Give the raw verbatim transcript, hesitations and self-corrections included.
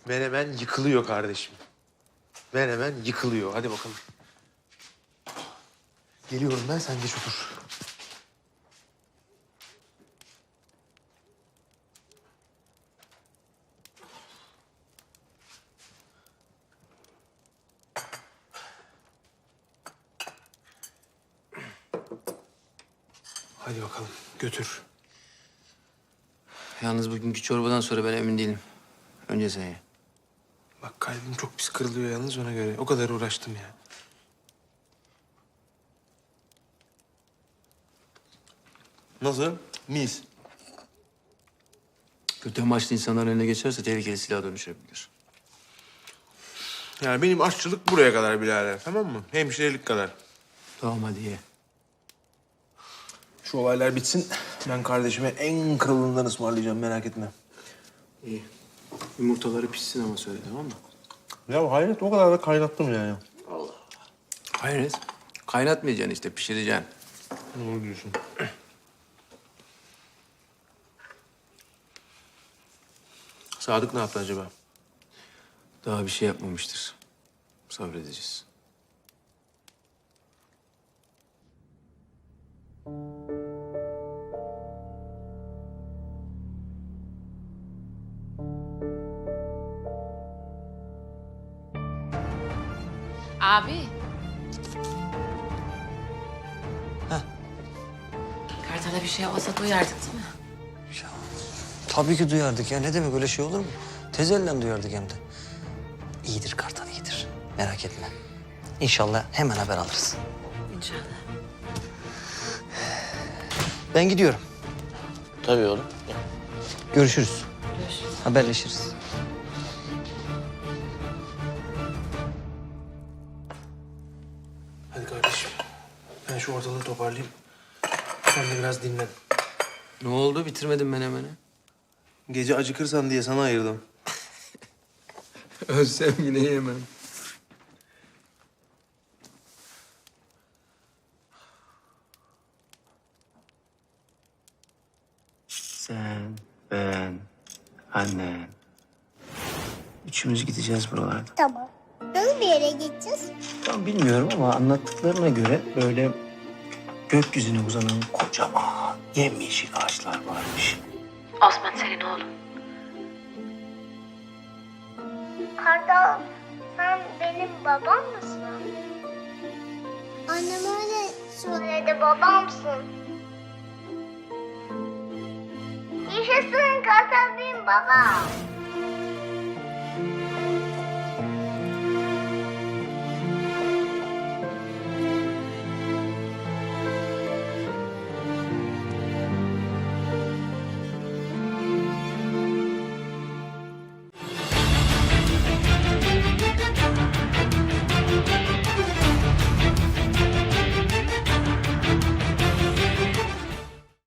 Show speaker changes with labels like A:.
A: Menemen yıkılıyor kardeşim. Menemen yıkılıyor. Hadi bakalım. Geliyorum ben, sen geç otur. Hadi bakalım, götür.
B: Yalnız bugünkü çorbadan sonra ben emin değilim. Önce sen ye.
A: Bak kalbim çok pis kırılıyor yalnız ona göre. O kadar uğraştım ya. Nasıl? Mis.
B: Kötü amaçlı insanların eline geçerse tehlikeli silaha dönüşebilir.
A: Yani benim aşçılık buraya kadar birader, tamam mı? Hemşirelik kadar.
B: Tamam hadi ye.
A: Şu olaylar bitsin. Ben kardeşime en kralından ısmarlayacağım, merak etme.
B: İyi. Yumurtaları pişsin ama söyle, tamam mı?
A: Ya hayret, o kadar da kaynattım yani.
B: Hayret. Kaynatmayacaksın işte, pişireceksin.
A: Doğru diyorsun. Sadık ne yaptı acaba?
B: Daha bir şey yapmamıştır. Sabredeceğiz.
C: Abi.
D: Heh.
C: Kartal'a bir şey olsa duyardık değil mi?
D: Ya, tabii ki duyardık ya. Ne demek, öyle şey olur mu? Tezellen duyardık hem de. İyidir Kartal, iyidir. Merak etme. İnşallah hemen haber alırız.
C: İnşallah.
D: Ben gidiyorum.
E: Tabii oğlum.
D: Görüşürüz.
C: Görüşürüz.
D: Haberleşiriz.
A: Hadi kardeşim. Ben şu ortalığı toparlayayım. Sen de biraz dinlen.
B: Ne oldu? Bitirmedin menemeni.
A: Gece acıkırsan diye sana ayırdım.
B: Ölsem yine yemem.
E: Sen, ben, annen. Üçümüz gideceğiz buralarda.
F: Tamam. Nasıl bir yere gideceğiz?
E: Tam bilmiyorum ama anlattıklarına göre böyle gökyüzüne uzanan kocaman yemyeşil ağaçlar varmış.
C: Osman senin oğlun.
F: Kartal, sen benim babam mısın? Annem öyle söyledi, babamsın. Yaşasın, Kartal benim babam.